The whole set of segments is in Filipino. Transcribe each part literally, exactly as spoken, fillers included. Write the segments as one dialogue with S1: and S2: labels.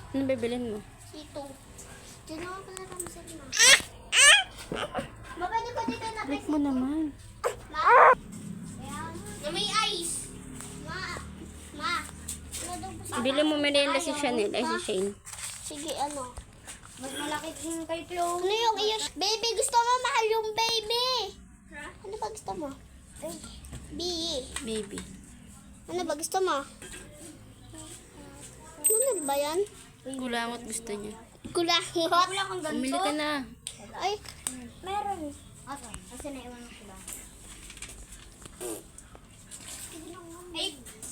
S1: Ano bibilin mo?
S2: Ito. Diyan ako pala ramsel na. Mabali ko dito na
S1: Break mo naman.
S2: Ma? Na may ice. Ma. Ma. Ano daw po sa-
S1: Bili mo merienda si Chanel. Ay, si Shane.
S2: Sige, ano? Mas malaki din kay Chloe. Ano yung iyo? Baby, gusto mo mahal yung baby. Ha? Ano ba gusto mo? Baby.
S1: Baby.
S2: Ano ba gusto mo? Ano ba yan?
S1: Kulangot gusto niya.
S2: Kulangot. Wala kang
S1: Umili ka na.
S2: Ay, meron. Ato, kasi naiwan ko ba? Ay,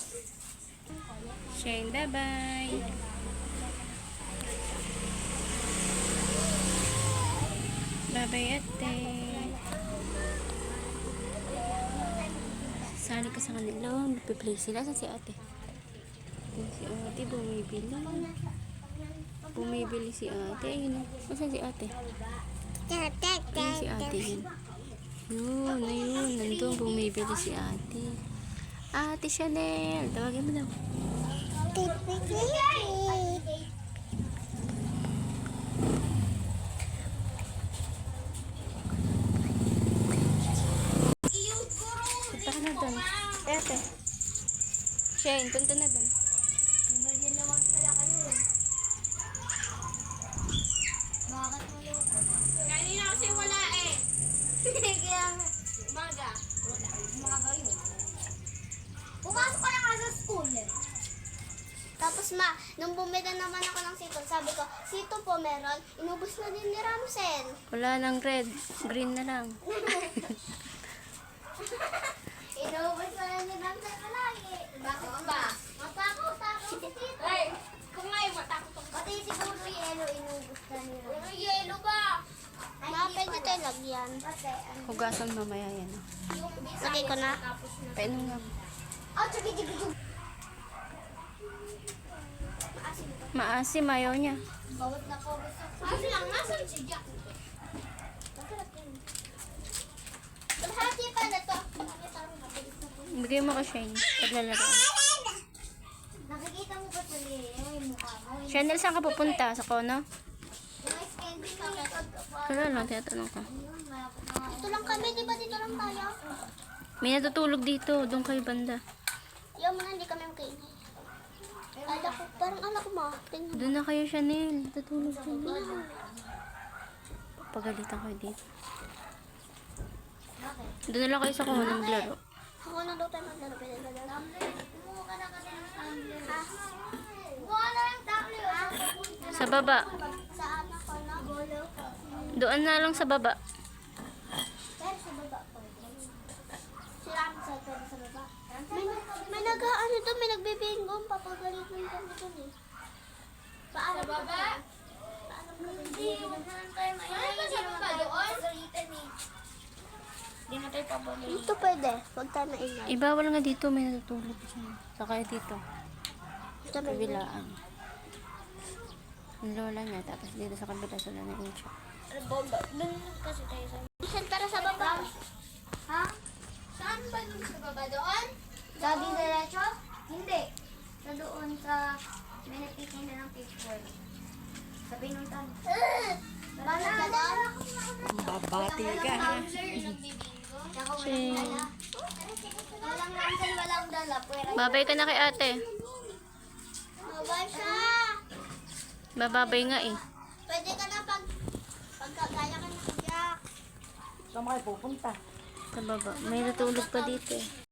S1: Shane, bye-bye. Bye-bye, ate. Sali ka sa kanila. Magpiplay sila. Saan si ate? Ayun, si ate bumibili. Bumibili si ate. Ayun. Saan si ate? Ayun si ate. Yun. Yun, ayun. Nandun bumibili si ate. Ate Chanel. Tawagin mo daw. Punta ka na doon. Ate. Shane, punta na doon.
S2: kanina kasi wala eh. Kaya nga. Umaga. Wala. Umaga yun. Pumasok ka na nga sa school eh. Tapos ma, nung bumili naman ako ng sito, sabi ko, sito po meron, inubos na din ni Ramsel.
S1: Wala nang red. Green na lang.
S2: Inubos na din ni Ramsel palagi. Bakit ba? Matakot, takot si tito. Ay, kung nga yung matakot ako. Pati siguro yelo, inubos na ni Ramsel. Ano yelo ba? Ma, pwede tayo lagyan.
S1: Hugasan mamaya yan.
S2: Lagay ko na.
S1: Painom nga.
S2: Oh, sige, sige, sige.
S1: Maasim, ayaw niya.
S2: Bawat na po. Kasi lang, nasan si Jack? Maghati pa na to.
S1: Bigay mo ka, Shane. Paglalaro.
S2: Nakikita mo ba sa yung mukha mo?
S1: Chanel, saan ka pupunta? Sa Kono?
S2: May candy pa na
S1: Wala lang, tinatanong ka.
S2: Dito lang kami, di ba dito lang tayo?
S1: May natutulog dito. Doon kayo banda.
S2: Yung mga hindi kami makainin. Ala ko, parang ala ko ma. Tingnan.
S1: Doon na kayo, Chanel. Natutulog dyan. Pagalitan kayo dito. Doon na lang kayo sa Kono maglaro.
S2: Ako na daw tayo maglaro. Pwede ba daw? Kumuha ka na kasi ng tumbler. Ha? Kumuha na ng tumbler. Ha?
S1: Sa baba.
S2: Sa anak ko na. Golo.
S1: Doon na lang sa baba.
S2: Pero sa baba po. Si Ramsel pero sa baba. May, may nag-ano doon, may nagbibingong. Papagalitan kami doon eh. Paano sa baba? Paano kami? Hindi, huwag na lang tayo mainay. Ano ba sa baba doon? Hindi na tayo pabalik. Dito pwede. Huwag tayo maingay.
S1: Ibawal nga dito. May natutulog dyan. Saka dito.
S2: Dito may
S1: Kabilaan. Ang lola niya. Tapos dito sa kabila sila na incha.
S2: bomba. Doon kasi tayo sa... Saan para sa baba? Ha? Saan ba doon sa baba? Doon? Sabi diretso? Hindi. Sa doon sa... May nagtitin na ng picture. Sa pinuntan. Bala ka doon?
S1: Babati ka ha.
S2: Tsaka walang dala. Walang ransel, walang dala. Pwera.
S1: Babay ka na kay ate.
S2: Mabay siya.
S1: Bababay nga eh.
S2: Pwede ka na pag... Pagkagaya ka na kagyak.
S1: Sa baba. May natulog pa dito eh.